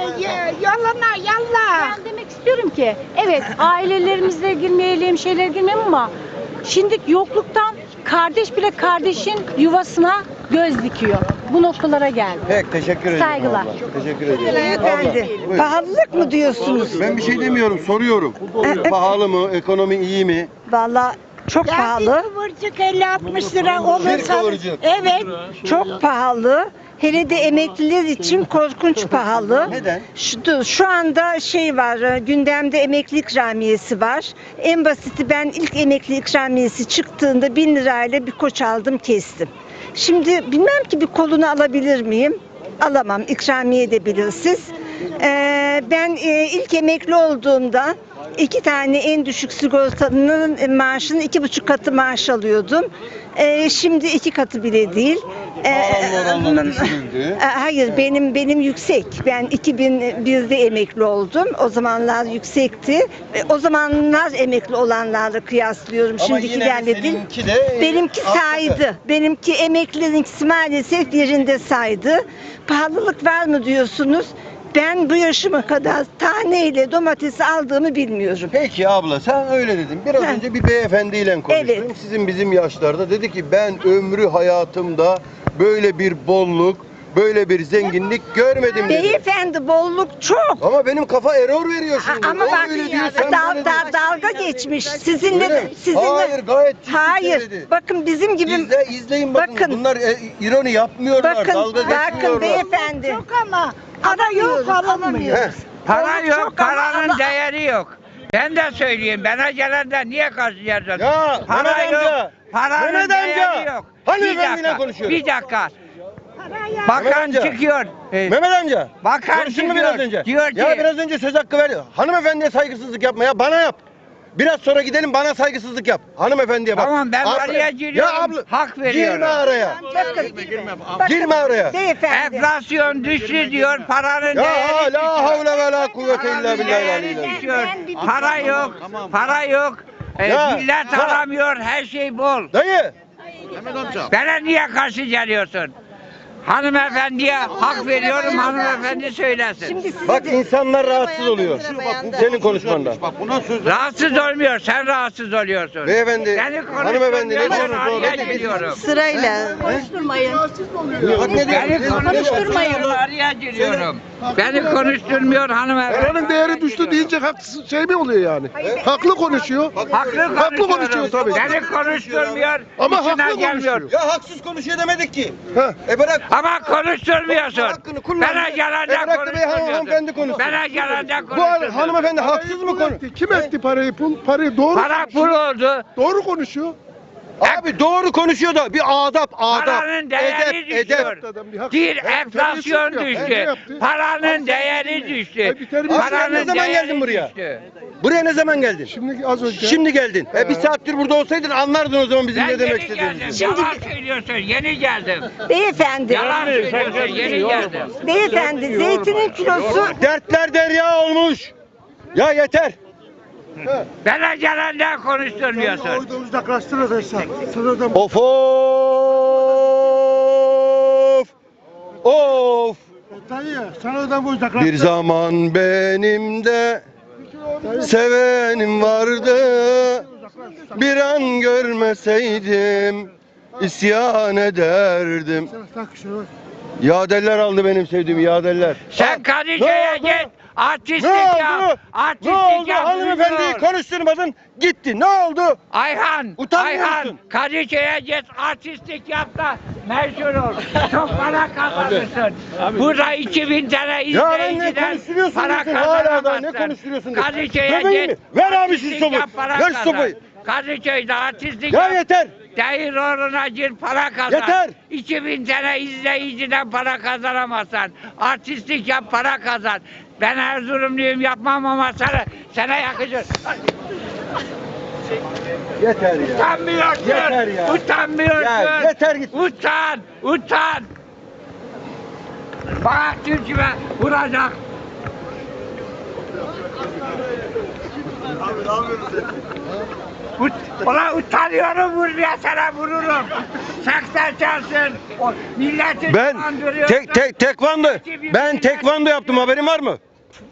[SPEAKER 11] Yalana yalla.
[SPEAKER 10] Ben demek istiyorum ki evet ailelerimizle girmeyelim, şeyler girmeyelim ama şimdi yokluktan kardeş bile kardeşin yuvasına göz dikiyor. Bu noktalara geldi.
[SPEAKER 1] Pek teşekkür ederim
[SPEAKER 10] Saygılar.
[SPEAKER 1] abla. Teşekkür ederim.
[SPEAKER 11] Beyefendi,
[SPEAKER 1] Abla, buyur.
[SPEAKER 11] pahalılık mı diyorsunuz?
[SPEAKER 1] Ben bir şey demiyorum, soruyorum. Pahalı mı? Ekonomi iyi mi?
[SPEAKER 11] Vallahi çok pahalı. Bir kıvırcık elli altmış lira olursa.
[SPEAKER 1] kıvırcık.
[SPEAKER 11] Evet, çok pahalı. Hele de emekliler için korkunç pahalı.
[SPEAKER 1] Neden?
[SPEAKER 11] Şu, şu anda şey var, gündemde emekli ikramiyesi var. En basiti ben ilk emekli ikramiyesi çıktığında bin lirayla bir koç aldım kestim. Şimdi bilmem ki bir kolunu alabilir miyim? Alamam, ikramiye de bilirsiniz. Ee, ben e, ilk emekli olduğumda iki tane en düşük sigortalının maaşının iki buçuk katı maaş alıyordum. Ee, şimdi iki katı bile değil.
[SPEAKER 1] Pahalı oranlar düşürüldü.
[SPEAKER 11] E, Hayır benim benim yüksek. Ben iki bin birde emekli oldum. O zamanlar yüksekti. E, O zamanlar emekli olanlarla kıyaslıyorum.
[SPEAKER 1] Ama
[SPEAKER 11] Şimdiki
[SPEAKER 1] yine de
[SPEAKER 11] derle değil.
[SPEAKER 1] seninki de e,
[SPEAKER 11] Benimki
[SPEAKER 1] arttı.
[SPEAKER 11] saydı. Benimki emeklilerinkisi maalesef yerinde saydı. Pahalılık var mı diyorsunuz? Ben bu yaşıma kadar taneyle domates aldığımı bilmiyorum.
[SPEAKER 1] Peki abla sen öyle dedin. Biraz
[SPEAKER 11] Ha.
[SPEAKER 1] önce bir beyefendiyle konuştum.
[SPEAKER 11] Evet.
[SPEAKER 1] Sizin bizim yaşlarda. Dedi ki ben ömrü hayatımda böyle bir bolluk, böyle bir zenginlik görmedim dedi.
[SPEAKER 11] Beyefendi bolluk çok.
[SPEAKER 1] Ama benim kafa error veriyor şimdi.
[SPEAKER 11] Ama
[SPEAKER 1] O
[SPEAKER 11] bak
[SPEAKER 1] öyle diyor, sen
[SPEAKER 11] dal,
[SPEAKER 1] böyle
[SPEAKER 11] dal,
[SPEAKER 1] diyorsun.
[SPEAKER 11] dalga geçmiş. Sizinle
[SPEAKER 1] Öyle mi?
[SPEAKER 11] sizinle
[SPEAKER 1] Hayır, gayet ciddi
[SPEAKER 11] Hayır.
[SPEAKER 1] söyledi.
[SPEAKER 11] Bakın bizim gibi
[SPEAKER 1] İzle, izleyin bakın.
[SPEAKER 11] Bakın.
[SPEAKER 1] Bunlar e, ironi yapmıyorlar.
[SPEAKER 11] bakın
[SPEAKER 1] dalga
[SPEAKER 11] bakın
[SPEAKER 1] geçmiyorlar.
[SPEAKER 11] beyefendi. Çok ama para yok alınmıyor.
[SPEAKER 1] Heh.
[SPEAKER 7] Para
[SPEAKER 11] Çok
[SPEAKER 7] yok,
[SPEAKER 11] ama-
[SPEAKER 7] paranın
[SPEAKER 11] ama-
[SPEAKER 7] değeri yok. Ben de söyleyeyim, bana gelenden niye karşılayacaksın?
[SPEAKER 1] Ya,
[SPEAKER 7] Para
[SPEAKER 1] Mehmet
[SPEAKER 7] yok,
[SPEAKER 1] amca,
[SPEAKER 7] paranın
[SPEAKER 1] Mehmet
[SPEAKER 7] değeri
[SPEAKER 1] amca.
[SPEAKER 7] yok.
[SPEAKER 1] Hani
[SPEAKER 7] Bir
[SPEAKER 1] efendiyle
[SPEAKER 7] dakika,
[SPEAKER 1] konuşuyorum.
[SPEAKER 7] bir dakika.
[SPEAKER 1] Mehmet
[SPEAKER 7] Bakan
[SPEAKER 1] amca.
[SPEAKER 7] çıkıyor. Ee,
[SPEAKER 1] Mehmet amca.
[SPEAKER 7] Bakan
[SPEAKER 1] Konuştun mu
[SPEAKER 7] çıkıyor.
[SPEAKER 1] biraz önce?
[SPEAKER 7] Diyor ki,
[SPEAKER 1] Ya biraz önce söz hakkı ver. Hanımefendiye saygısızlık yapma ya. Bana yap. Biraz sonra gidelim bana saygısızlık yap. Hanımefendiye bak.
[SPEAKER 7] Tamam, ben
[SPEAKER 1] Abla-
[SPEAKER 7] araya giriyorum,
[SPEAKER 1] Ya abla,
[SPEAKER 7] hak veriyorum.
[SPEAKER 1] Girme araya.
[SPEAKER 11] Bakın,
[SPEAKER 1] Girme araya.
[SPEAKER 11] beyefendi.
[SPEAKER 7] enflasyon düştü diyor, paranın
[SPEAKER 1] Ya
[SPEAKER 7] değeri
[SPEAKER 1] la
[SPEAKER 7] düşüyor.
[SPEAKER 1] havle ve la kuvvete illa
[SPEAKER 7] Paranın
[SPEAKER 1] billahi
[SPEAKER 7] değeri
[SPEAKER 1] aleyhi.
[SPEAKER 7] düşüyor.
[SPEAKER 11] Ben bir-
[SPEAKER 7] Para yok, para yok. Ee,
[SPEAKER 1] Ya,
[SPEAKER 7] millet
[SPEAKER 1] ya.
[SPEAKER 7] alamıyor, her şey bol.
[SPEAKER 1] Dayı.
[SPEAKER 7] Bana niye karşı geliyorsun? Hanımefendiye hak veriyorum, hanımefendi söylesin.
[SPEAKER 11] Şimdi size
[SPEAKER 1] Bak
[SPEAKER 11] de-
[SPEAKER 1] insanlar rahatsız oluyor. Senin konuşmandan.
[SPEAKER 7] Rahatsız olmuyor, sen rahatsız oluyorsun.
[SPEAKER 1] Beyefendi,
[SPEAKER 7] Beni
[SPEAKER 1] hanımefendi ne
[SPEAKER 7] konuşturmuyorsun,
[SPEAKER 1] diyorsunuz
[SPEAKER 7] araya
[SPEAKER 1] doğru?
[SPEAKER 7] giriyorum.
[SPEAKER 5] Sırayla. Konuşturmayın.
[SPEAKER 1] Bak ne diyor?
[SPEAKER 7] Beni konuşturmayın, araya giriyorum. Beni konuşturmuyor hanımefendi.
[SPEAKER 9] Paranın değeri düştü deyince haksız şey mi oluyor yani? Haklı konuşuyor.
[SPEAKER 7] Haklı
[SPEAKER 9] Haklı
[SPEAKER 7] konuşuyorum.
[SPEAKER 9] konuşuyor tabii.
[SPEAKER 7] Beni konuşturmuyor,
[SPEAKER 9] Ama
[SPEAKER 7] işine
[SPEAKER 9] haklı
[SPEAKER 7] gelmiyor.
[SPEAKER 9] konuşuyor.
[SPEAKER 1] Ya haksız konuşuyor demedik ki.
[SPEAKER 9] Heh.
[SPEAKER 1] E bırak.
[SPEAKER 7] Ama konuşturmuyorsun.
[SPEAKER 1] Hakkını kullan.
[SPEAKER 7] Bana
[SPEAKER 1] E
[SPEAKER 7] gelende
[SPEAKER 1] bırak da bey hanımefendi
[SPEAKER 7] konuşturmuyorsun.
[SPEAKER 1] konuşsun.
[SPEAKER 7] Bana gelende
[SPEAKER 1] Bu
[SPEAKER 7] konuşturmuyorsun.
[SPEAKER 1] hanımefendi haksız mı konu?
[SPEAKER 9] Kim etti parayı? Pul, parayı doğru
[SPEAKER 7] Para pul oldu.
[SPEAKER 9] doğru konuşuyor.
[SPEAKER 1] Abi doğru konuşuyor da bir adap adap.
[SPEAKER 7] Paranın değeri
[SPEAKER 1] edep
[SPEAKER 7] düşüyor.
[SPEAKER 1] edep.
[SPEAKER 9] Adam bir hak-
[SPEAKER 7] Bir
[SPEAKER 9] Ya,
[SPEAKER 7] enflasyon
[SPEAKER 9] terbiyesizlik yap.
[SPEAKER 7] düştü.
[SPEAKER 9] Ne yaptı?
[SPEAKER 7] Paranın değeri düştü.
[SPEAKER 9] Ay, bir terbiyesizlik
[SPEAKER 1] Abi sen ne
[SPEAKER 7] Paranın
[SPEAKER 1] zaman geldin
[SPEAKER 7] değeri
[SPEAKER 1] buraya?
[SPEAKER 7] düştü.
[SPEAKER 1] Buraya ne zaman geldin?
[SPEAKER 9] Şimdi az önce.
[SPEAKER 1] Şimdi geldin. E bir
[SPEAKER 9] He.
[SPEAKER 1] saattir burada olsaydın anlardın o zaman bizim
[SPEAKER 7] Ben
[SPEAKER 1] ne demek
[SPEAKER 7] yeni geldim.
[SPEAKER 1] istediğimizi.
[SPEAKER 7] Yalan söylüyorsun. Yeni geldim.
[SPEAKER 11] Beyefendi.
[SPEAKER 7] Yalan söylüyorsun. Yeni geldim.
[SPEAKER 11] Beyefendi zeytinin kilosu
[SPEAKER 1] Dertler derya olmuş. Ya yeter.
[SPEAKER 7] Bana gelenden konuşturmuyorsun.
[SPEAKER 9] Orada uzaklaştırırsa. Sınırdan
[SPEAKER 1] Of of. Of.
[SPEAKER 9] Dayı sınırdan bu uzaklaştır.
[SPEAKER 1] Bir zaman benim de sevenim vardı. Bir an görmeseydim isyan ederdim.
[SPEAKER 9] Tak şunu.
[SPEAKER 1] Yadeller aldı benim sevdiğim yadeller.
[SPEAKER 7] Sen Kadıköy'e
[SPEAKER 1] Ne oldu?
[SPEAKER 7] git. Artistlik
[SPEAKER 1] Ne
[SPEAKER 7] yap.
[SPEAKER 1] oldu?
[SPEAKER 7] Artistlik
[SPEAKER 1] Ne oldu?
[SPEAKER 7] yap.
[SPEAKER 1] Hanımefendiyi
[SPEAKER 7] Buyur.
[SPEAKER 1] konuşturmadın. Gitti. Ne oldu?
[SPEAKER 7] Ayhan,
[SPEAKER 1] Utanmıyor
[SPEAKER 7] Ayhan
[SPEAKER 1] musun?
[SPEAKER 7] Kadıköy'e git artistlik yap da meşhur ol. Çok para kazanırsın. Burada iki bin tane
[SPEAKER 1] Ya ben ne
[SPEAKER 7] izleyiciden
[SPEAKER 1] konuşturuyorsun
[SPEAKER 7] para
[SPEAKER 1] diyorsun hala da ne
[SPEAKER 7] kazanamazsın.
[SPEAKER 1] konuşturuyorsun diyorsun.
[SPEAKER 7] Kadıköy'e
[SPEAKER 1] Göbeği mi?
[SPEAKER 7] git.
[SPEAKER 1] Ver abi şu
[SPEAKER 7] artistlik
[SPEAKER 1] sopayı.
[SPEAKER 7] yap, para
[SPEAKER 1] Ver şu
[SPEAKER 7] kazan.
[SPEAKER 1] sopayı.
[SPEAKER 7] Kadıköy'de artistlik
[SPEAKER 1] Ya
[SPEAKER 7] yap.
[SPEAKER 1] yeter.
[SPEAKER 7] Değil uğruna gir para kazan.
[SPEAKER 1] Yeter.
[SPEAKER 7] iki bin tane izleyiciden para kazanamazsan. Artistlik yap para kazan. Ben Erzurumluyum yapmam ama sana, sana yakışır.
[SPEAKER 1] Yeter ya.
[SPEAKER 7] Utanmıyorsun.
[SPEAKER 1] Yeter ya.
[SPEAKER 7] Utanmıyorsun.
[SPEAKER 1] Ya yeter git.
[SPEAKER 7] Utan. Utan. Bak Türk'üme vuracak. Ut, ulan utanıyorum vurmaya sana vururum. Seksen çalsın. O milleti
[SPEAKER 1] Ben
[SPEAKER 7] dolandırıyorsun.
[SPEAKER 1] tek tek tekvando. Ben tekvando yaptım, haberin var mı?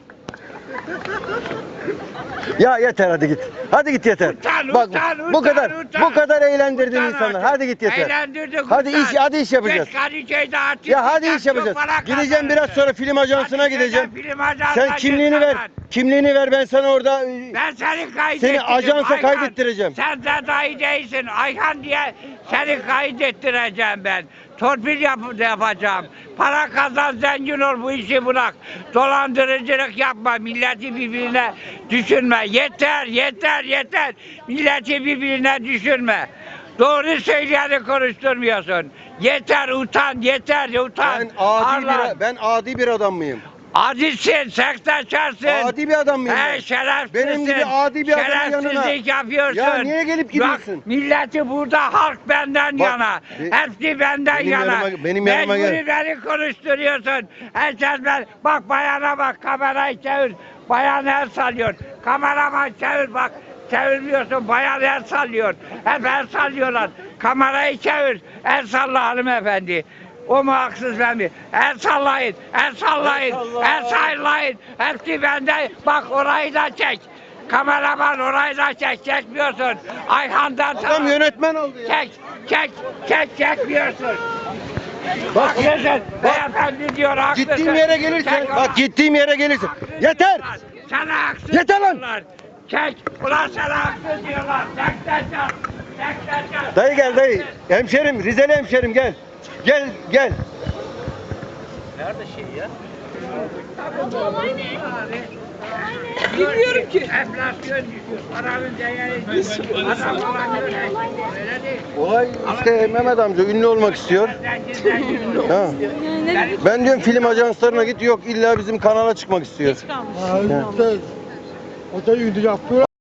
[SPEAKER 1] Ya yeter, hadi git. Hadi git yeter.
[SPEAKER 7] Utan,
[SPEAKER 1] Bak
[SPEAKER 7] utan,
[SPEAKER 1] bu
[SPEAKER 7] utan,
[SPEAKER 1] kadar
[SPEAKER 7] utan.
[SPEAKER 1] bu kadar eğlendirdin
[SPEAKER 7] Utan
[SPEAKER 1] insanları.
[SPEAKER 7] artık.
[SPEAKER 1] Hadi git yeter.
[SPEAKER 7] Eğlendirdik,
[SPEAKER 1] Hadi
[SPEAKER 7] utan.
[SPEAKER 1] iş hadi iş yapacağız.
[SPEAKER 7] Geç Kadıköy'de artist
[SPEAKER 1] Ya hadi
[SPEAKER 7] yap,
[SPEAKER 1] iş yapacağız.
[SPEAKER 7] çok para
[SPEAKER 1] Gideceğim biraz
[SPEAKER 7] kazanırsın.
[SPEAKER 1] sonra film ajansına
[SPEAKER 7] Kadıköy'de
[SPEAKER 1] gideceğim.
[SPEAKER 7] film ajansına
[SPEAKER 1] Sen kimliğini
[SPEAKER 7] git
[SPEAKER 1] ver.
[SPEAKER 7] kazan.
[SPEAKER 1] Kimliğini ver, ben sana orada
[SPEAKER 7] Ben seni kaydettirdim.
[SPEAKER 1] seni ajansa
[SPEAKER 7] Ayhan.
[SPEAKER 1] kaydettireceğim.
[SPEAKER 7] Sen de dahi değilsin. Ayhan diye seni kaydettireceğim ben. Torpil yap yapacağım. Para kazan, zengin ol, bu işi bırak. Dolandırıcılık yapma. Milleti birbirine düşürme. Yeter, yeter, yeter. Milleti birbirine düşürme. Doğru söyleyeni konuşturmuyorsun. Yeter, utan, yeter, utan.
[SPEAKER 1] Ben adi
[SPEAKER 7] Arlan.
[SPEAKER 1] bir ben adi bir adam mıyım?
[SPEAKER 7] Adisin, sektaşarsın.
[SPEAKER 1] Adi bir adam mıyım
[SPEAKER 7] He
[SPEAKER 1] ben?
[SPEAKER 7] şerefsizsin.
[SPEAKER 1] Benim gibi adi bir adamın yanına.
[SPEAKER 7] Şerefsizlik yapıyorsun.
[SPEAKER 1] Ya niye gelip gidiyorsun?
[SPEAKER 7] Bak milleti burada halk benden
[SPEAKER 1] Bak,
[SPEAKER 7] yana.
[SPEAKER 1] be-
[SPEAKER 7] Hepsi benden
[SPEAKER 1] benim
[SPEAKER 7] yana.
[SPEAKER 1] yanıma- benim yanıma gel.
[SPEAKER 7] Mecburi beni konuşturuyorsun. Herkes ben. Bak bayana bak, kamerayı çevir. Bayan el sallıyor. Kameraman çevir bak. Çevirmiyorsun, bayan el sallıyor. Hep el sallıyorlar. Kamerayı çevir. El salla hanımefendi. O mu haksız ben mi? El sallayın, el sallayın, el sallayın. Hepsi bende. Bak orayı da çek. Kameraman orayı da çek. Çekmiyorsun. Ayhan'dan
[SPEAKER 1] Adam
[SPEAKER 7] sana-
[SPEAKER 1] yönetmen oldu ya.
[SPEAKER 7] Çek, çek, çek, çekmiyorsun. Bak yeter. Beyefendi diyor haklısın.
[SPEAKER 1] Gittiğim yere gelirsen,
[SPEAKER 7] Çek
[SPEAKER 1] bak gittiğim yere gelirsen.
[SPEAKER 7] Haksız
[SPEAKER 1] Yeter.
[SPEAKER 7] diyorlar. Sana haksız
[SPEAKER 1] Yeter lan.
[SPEAKER 7] diyorlar. Çek. Ulan sana haksız diyorlar. Çek, çek, çek. Çek, çek, çek.
[SPEAKER 1] Dayı gel dayı. Hemşerim, Rizeli hemşerim gel. Gel gel.
[SPEAKER 7] Bilmiyorum ki. Enflasyon düşüyor. Paranın değeri düşüyor. Adam falan öyle. Öyle değil.
[SPEAKER 1] Olay işte Mehmet amca ünlü olmak istiyor.
[SPEAKER 7] Zengin zengin ol.
[SPEAKER 1] Ha. Ben diyorum film ajanslarına git, yok illa bizim kanala çıkmak istiyor.
[SPEAKER 9] O da ünlü yapıyor.